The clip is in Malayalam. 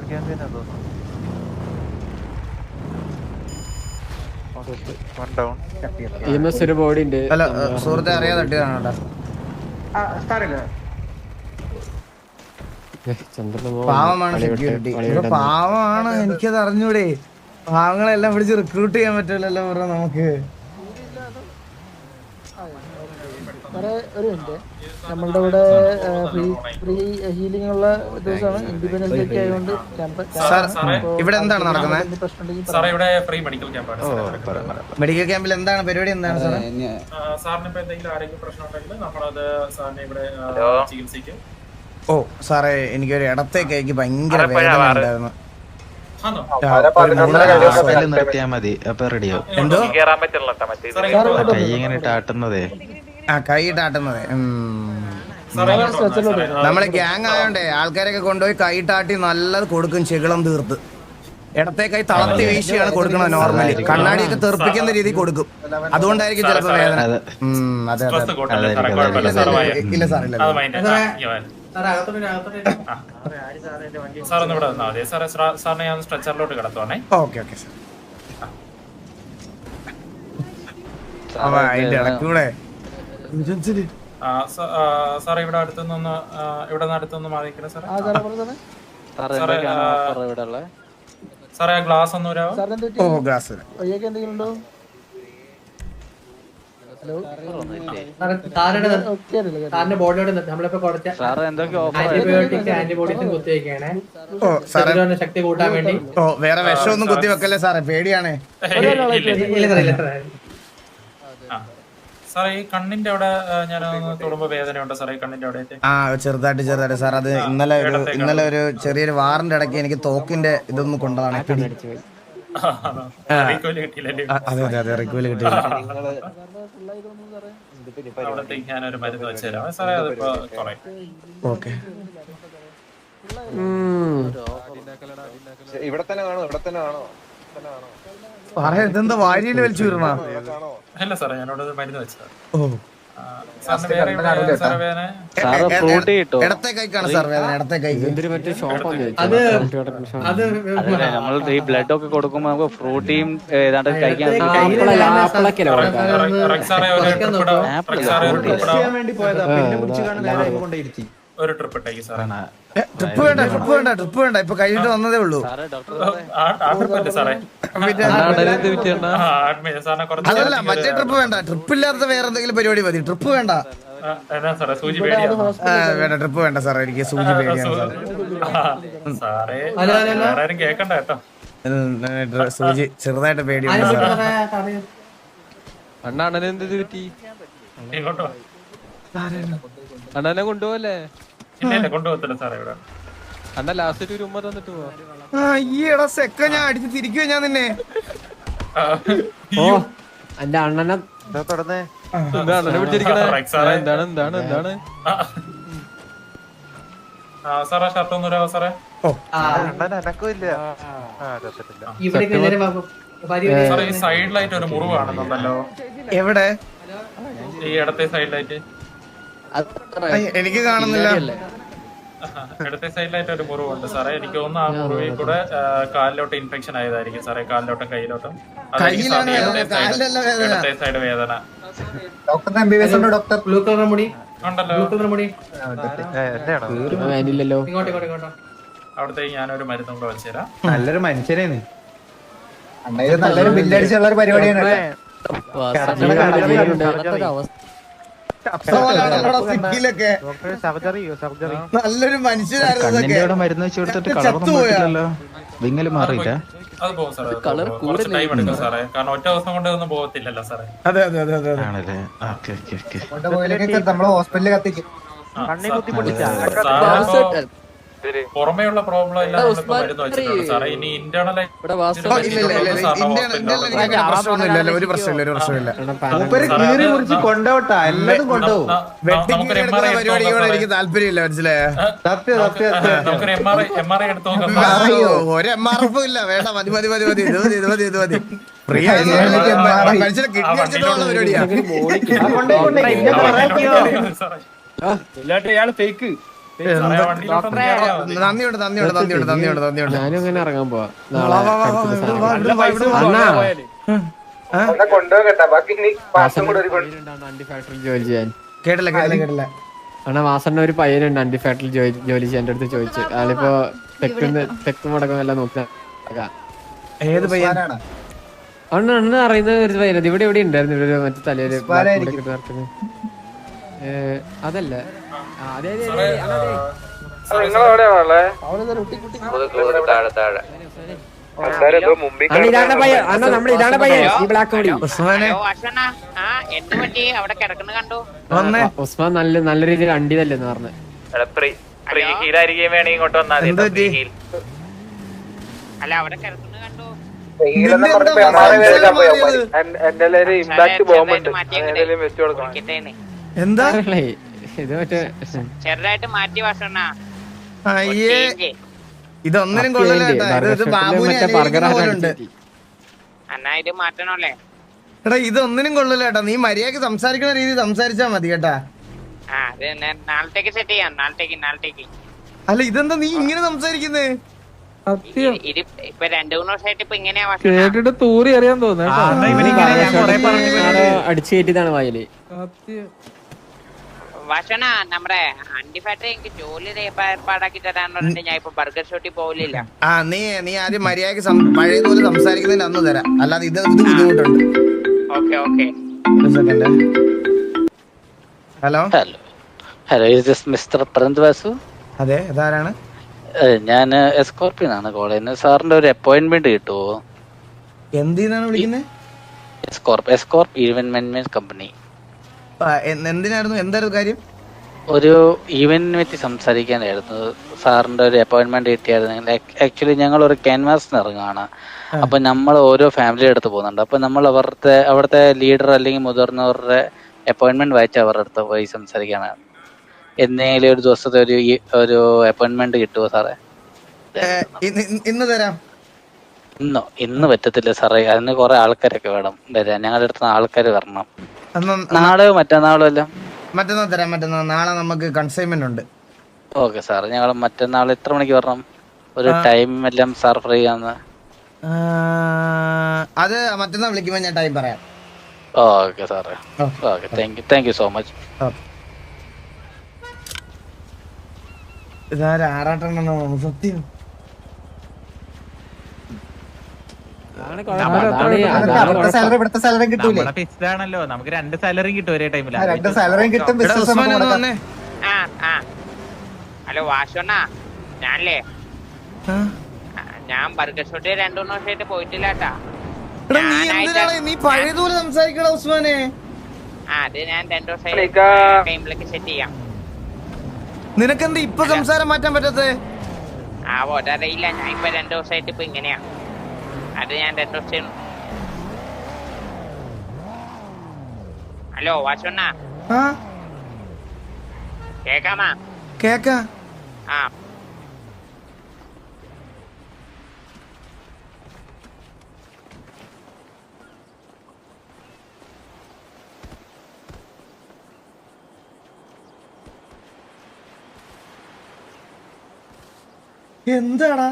ഒരു ബോഡി ഉണ്ട്. അല്ല സുഹൃത്തെ അറിയാതെ തട്ടിയതാണ് പാവമാണ് സെക്യൂരിറ്റി. പാവമാണ്, എനിക്കത് അറിഞ്ഞൂടെ. പാവങ്ങളെല്ലാം പിടിച്ച് റിക്രൂട്ട് ചെയ്യാൻ പറ്റില്ലല്ലോ ബ്രോ നമുക്ക്. ഒരു മിനിറ്റ്, നമ്മളുടെ ഇവിടെ ഫ്രീ ഹീലിംഗ് ഉള്ള ദിവസമാണ്. ഇൻഡിപെൻഡൻസ് ഡേ ആയതുകൊണ്ട് ഇവിടെ എന്താണ് നടക്കുന്നത്? മെഡിക്കൽ ക്യാമ്പിൽ എന്താണ് പരിപാടി? എന്താണ് സാറേ? ഓ സാറേ, എനിക്കൊരു ഇടത്തേക്ക് ഭയങ്കര വേദന ഉണ്ടായിരുന്നു. എന്തോ കൈയിട്ടാട്ടുന്നതേ. നമ്മളെ ഗ്യാങ് ആയോണ്ടേ ആൾക്കാരൊക്കെ കൊണ്ടുപോയി കൈയിട്ടാട്ടി നല്ലത് കൊടുക്കും, ചെകിളം തീർത്ത്. ഇടത്തെ കൈ തളർത്തി വീശിയാണ് കൊടുക്കണത്. നോർമലി കണ്ണാടിയൊക്കെ തെറിപ്പിക്കുന്ന രീതി കൊടുക്കും. അതുകൊണ്ടായിരിക്കും ചിലപ്പോ വേദന. അതെ അതെ ഇല്ല സാറില്ല. Okay okay sir. അതിന്റെ ഇടക്കൂടെ സാറേ ഇവിടെ അടുത്തുനിന്ന് മാറിയിരിക്കണേ സാറേ. സാറേ ആ ഗ്ലാസ് ഒന്ന് വരാമോ? ഓ ഗ്ലാസ് എന്തെങ്കിലും ഉണ്ടോ? ബോഡിയോട് നമ്മളിപ്പോ കുറച്ച് ആന്റിബയോട്ടിക്സ് ആന്റിബോഡീസും കുത്തിവെക്കാണ് ശക്തി കൂട്ടാൻ വേണ്ടി. ഓ വേറെ വിഷമൊന്നും കുത്തി വെക്കല്ലേ സാറേ, പേടിയാണേ. സാറേ ഈ കണ്ണിന്റെ അവിടെ ഞാൻ തൊടുമ്പോ വേദനയുണ്ടോ സാറേ? കണ്ണിന്റെ അവിടെ ചെറുതായിട്ട് സാർ. അത് ഇന്നലെ ഒരു ചെറിയൊരു വാറിന്റെ ഇടയ്ക്ക് എനിക്ക് തോക്കിന്റെ ഇതൊന്നും കൊണ്ടതാണ്. അതെ അതെ റിക്വല് കിട്ടിയില്ല. ഞാനൊരു മരുന്ന് വെച്ചുതരാം സാറേ, അതിപ്പോ ഓക്കെ. ഇവിടെ തന്നെ കാണോ? സാറേ ഇതെന്താ വാരിയില് വലിച്ചു വീരണ? അല്ല സാറേ, ഞാനോട് മരുന്ന് വെച്ചതാ. ഓ ഇടത്തെ കൈക്കാണ് സാർ വേദന. ഇടത്തെ കൈ നമ്മൾ ഈ ബ്ലഡ് ഒക്കെ കൊടുക്കുമ്പോ നമുക്ക് ഫ്രൂട്ടിയും ഏതാണ്ട് കഴിക്കാൻ ഒരു ട്രിപ്പ് ഇട്ടേക്ക് സാറേ. ട്രിപ്പ് വേണ്ട ഇപ്പൊ കഴിഞ്ഞിട്ട് വന്നതേ ഉള്ളൂ. അതല്ല മറ്റേ ട്രിപ്പ് വേണ്ട. ട്രിപ്പ് ഇല്ലാത്ത വേറെ എന്തെങ്കിലും പരിപാടി മതി. ട്രിപ്പ് വേണ്ട. വേണ്ട ട്രിപ്പ് വേണ്ട സാറേ, എനിക്ക് സൂചി പേടിയാണ് കേക്കണ്ട കേട്ടോ. സൂചി ചെറുതായിട്ട് പേടിയാണ് സാറേ. അണ്ണനെ കൊണ്ടുപോകല്ലേ? കൊണ്ടുപോകത്തില്ല സാറേ. ഇവിടെ അണ്ണ ലാസ്റ്റ് ഒരു ഉമ്മ തന്നിട്ട് പോവാ. ഈടാ സെക്ക ഞാൻ അടിച്ച് തിരിക്കുവോ ഞാൻ നിന്നെ? എന്റെ അണ്ണനെ അണ്ണനെ പിടിച്ചിരിക്കണേ. എന്താണ് സാറേ ഷർട്ട് ഒന്നും വരാമോ സാറേ? സാറേ ഈ സൈഡിലായിട്ട് ഒരു മുറിവ് കാണുന്നുണ്ടല്ലോ. എവിടെ? ഈ ഇടത്തെ സൈഡിലായിട്ട്. എനിക്ക് കാണുന്നില്ല. ഇടത്തെ സൈഡിലായിട്ട് ഒരു മുറിവുണ്ട് സാറേ. എനിക്ക് തോന്നുന്നു ആ മുറിവിൽ കൂടെ കാലിലോട്ട് ഇൻഫെക്ഷൻ ആയതായിരിക്കും സാറേ. കാലിലോട്ടും കയ്യിലോട്ടും. ഇടത്തെ സൈഡ് വേദന. ഉണ്ടല്ലോ. അവിടത്തേക്ക് ഞാനൊരു മരുന്നും കൂടെ വെച്ചുതരാം. നല്ലൊരു മനുഷ്യനാണ്. നല്ലൊരു ബില്ലടിച്ചുള്ള ഒരു പരിപാടിയാണ്. നല്ലൊരു മനുഷ്യനായിരുന്നു. മരുന്ന് വെച്ച് കൊടുത്തിട്ട് കളർ വിങ്ങല് മാറിയില്ല. അത് പോകും സാറേ. കുറച്ച് ടൈം എടുക്കും സാറേ, കാരണം ഒറ്റ ദിവസം കൊണ്ട് ഒന്നും പോകത്തില്ലല്ലോ സാറേ. അതെ അതെ അതെ അതെ ആണല്ലേ? നമ്മള് ഹോസ്പിറ്റലിൽ കത്തിക്കും. പുറമേയുള്ള പ്രോബ്ലം എല്ലാം മരുന്ന് വെച്ചിട്ടുണ്ട് സാറേ. ഇനി ഇന്റേണൽ ഒരു പ്രശ്നമില്ല. കൊണ്ടോട്ടാ എല്ലാതും കൊണ്ടുപോകും. പരിപാടിയോടെ എനിക്ക് താല്പര്യമില്ല, മനസ്സിലായോ? നമുക്കൊരു MRI എടുത്ത് നോക്കാം. ഒരു MRF ഇല്ല, വേണ്ട. മതി ഇത് മതി. ഫ്രീ ആയി മനുഷ്യനെ കിഡ്നി അടിച്ചിട്ടുള്ള പരിപാടിയാ. ഫേക്ക് നന്ദിയുണ്ട് നന്ദിയുണ്ട് നന്ദിയുണ്ട് നന്ദിയുണ്ട് നന്ദിയുണ്ട്. ഞാനും അങ്ങനെ ഇറങ്ങാൻ പോവാ വാ, വാ, വാ, വാ, ഇവിടുന്ന് വാ, ഇവിടുന്ന് വാ, ഇവിടുന്ന് വാ. അണ്ണാ ആ? അണ്ടി ഫാക്ടറിയിൽ ജോലി ചെയ്യാൻ. കേട്ടില്ല കേട്ടില്ല കേട്ടില്ല. അണ്ണാ വാസണ്ണ ഒരു പയ്യനുണ്ട് അണ്ടി ഫാക്ടറിയിൽ ജോലി ചെയ്യാൻ. എന്റെ അടുത്ത് ചോദിച്ചു. ആളിപ്പോ തെക്ക് മുടക്കം എല്ലാം നോക്കി നടക്കാ. ഏത് പയ്യൻ? അണ്ണ അറിയുന്ന ഒരു പയ്യനത് ഇവിടെ എവിടെ ഉണ്ടായിരുന്നു. ഇവിടെ മറ്റേ തലയില് അതല്ല. അതെ അതെ അതെ അതെ ഇതാണ് പയ്യൻ. അണ്ണ നമ്മുടെ ഇതാണ് പയ്യൻ. ഈ ബ്ലാക്ക് കോടി ഉസ്മാനെ വന്നേ. ഉസ്മാൻ നല്ല രീതിയിൽ അണ്ടി തല്ലെന്ന് പറഞ്ഞു. എന്ത് പറ്റി? എന്താ ഇത് മറ്റേ ചെറുതായിട്ട് മാറ്റി വാസണ്ണ. അയ്യേ ഇതൊന്നിനും കൊള്ളില്ല കേട്ടാ. ഇത് ബാബുവിനെ അനുകരിക്കുന്ന പോലുണ്ട്. അന്നാ ഇത് മാറ്റണല്ലേ? എടാ ഇതൊന്നിനും കൊള്ളില്ല കേട്ടാ. നീ മര്യാദക്ക് സംസാരിക്കുന്ന രീതി സംസാരിച്ചാ മതി കേട്ടാ. ആ അത് നാളത്തേക്ക് സെറ്റ് ചെയ്യാം. നാളത്തേക്ക് അല്ല ഇതെന്താ നീ ഇങ്ങനെ സംസാരിക്കുന്നേ? ഇത് ഇപ്പൊ 2-3 ദിവസമായിട്ട് ഇപ്പൊ ഇങ്ങനെയാ വാസണ്ണ. അടിച്ചു കയറ്റിയതാണ് വായില്. വാസണ്ണ നമ്മുടെ അണ്ടി ഫാക്ടറി എനിക്ക് ജോലി ഏർപ്പാടാക്കി തരാന്ന് പറഞ്ഞിട്ട് ഞാൻ ഇപ്പൊ ബർഗർ ഷോട്ടിൽ പോകില്ല. ആ നീ ആദ്യം മര്യാദക്ക് പഴയതുപോലെ സംസാരിക്കുന്നതിന് അന്ന് തരാം. അല്ലാതെ ഇത് ബുദ്ധിമുട്ടുണ്ട്. ഓക്കെ ഒരു second. Hello hello is this mister പ്രന്ത് വാസു? അതെ ഇതാരാണ്? ഞാൻ എസ്കോർപ്പിയനാണ് കോൾ ചെയ്യുന്നത്. സാറിന്റെ ഒരു അപ്പോയിന്റ്മെന്റ് കിട്ടുമോ? എന്തിനാണ് വിളിക്കുന്നത്? എസ്കോർപ്പ് ഈവന്റ് മാനേജ്മെന്റ് കമ്പനി. എന്തിനായിരുന്നു? എന്തായിരുന്നു കാര്യം? ഒരു ഈവന്റിനെ പറ്റി സംസാരിക്കാനായിരുന്നു. സാറിന്റെ ഒരു അപ്പോയിന്റ്മെന്റ് കിട്ടിയായിരുന്നു. ആക്ച്വലി ഞങ്ങൾ ഒരു ക്യാൻവാസിന് ഇറങ്ങുകയാണ്. അപ്പൊ നമ്മൾ ഓരോ ഫാമിലിയുടെ അടുത്ത് പോകുന്നുണ്ട്. അപ്പൊ നമ്മൾ അവിടുത്തെ ലീഡർ അല്ലെങ്കിൽ മുതിർന്നവരുടെ അപ്പോയിന്റ്മെന്റ് വായിച്ച് അവരുടെ അടുത്ത് പോയി സംസാരിക്കാനാണ്. എന്തെങ്കിലും ഒരു ദിവസത്തെ ഒരു അപ്പോയിന്റ്മെന്റ് കിട്ടുമോ സാറേ? ഇന്ന് തരാം. ഇന്ന് പറ്റത്തില്ല സാറേ. അതിന് കുറെ ആൾക്കാരൊക്കെ വേണം വരാൻ. ഞങ്ങളുടെ അടുത്ത് ആൾക്കാർ വരണം. നാളെയോ മറ്റന്നാളോ എല്ലാം? മറ്റന്നാൾ തരാം. നാളെ നമുക്ക് കൺസൈൻമെന്റ് ഉണ്ട്. Okay sir. ഞങ്ങൾ മറ്റന്നാൾ എത്ര മണിക്ക് വരണം? ഒരു ടൈം എല്ലാം സാർ ഫ്രീ ആണ്? അത് മറ്റന്നാൾ വിളിക്കുമ്പോൾ ഞാൻ ടൈം പറയാം. ഓക്കെ സാറേ. Okay thank you so much. ഇതാരും ആറാട്ടെണ്ണോ സത്യം. ആണല്ലോ നമുക്ക് 2 സാലറി കിട്ടും ഒരേ ടൈമിൽ. ഹലോ വാസണ്ണ, ഞാനല്ലേ ഞാൻ ബർഗർ ഷോട്ടിൽ 2-3 ദിവസമായിട്ട് പോയിട്ടില്ല കേട്ടാ. നീ പഴയതുപോലെ സംസാരിക്കണ ഉസ്മാനെ. അത് ഞാൻ 2 ദിവസം ടൈമിലേക്ക് സെറ്റ് ചെയ്യാം. നിനക്കെന്താ ഇപ്പൊ സംസാരം മാറ്റാൻ പറ്റത്തേ? അതറിയില്ല. ഞാൻ ഇപ്പൊ 2 ദിവസമായിട്ട് ഇപ്പൊ ഇങ്ങനെയാ. അത് ഞാൻ 2 ദിവസം. ഹലോ വാസണ്ണ കേക്കാമാ? കേക്കാ. ആ എന്താടാ?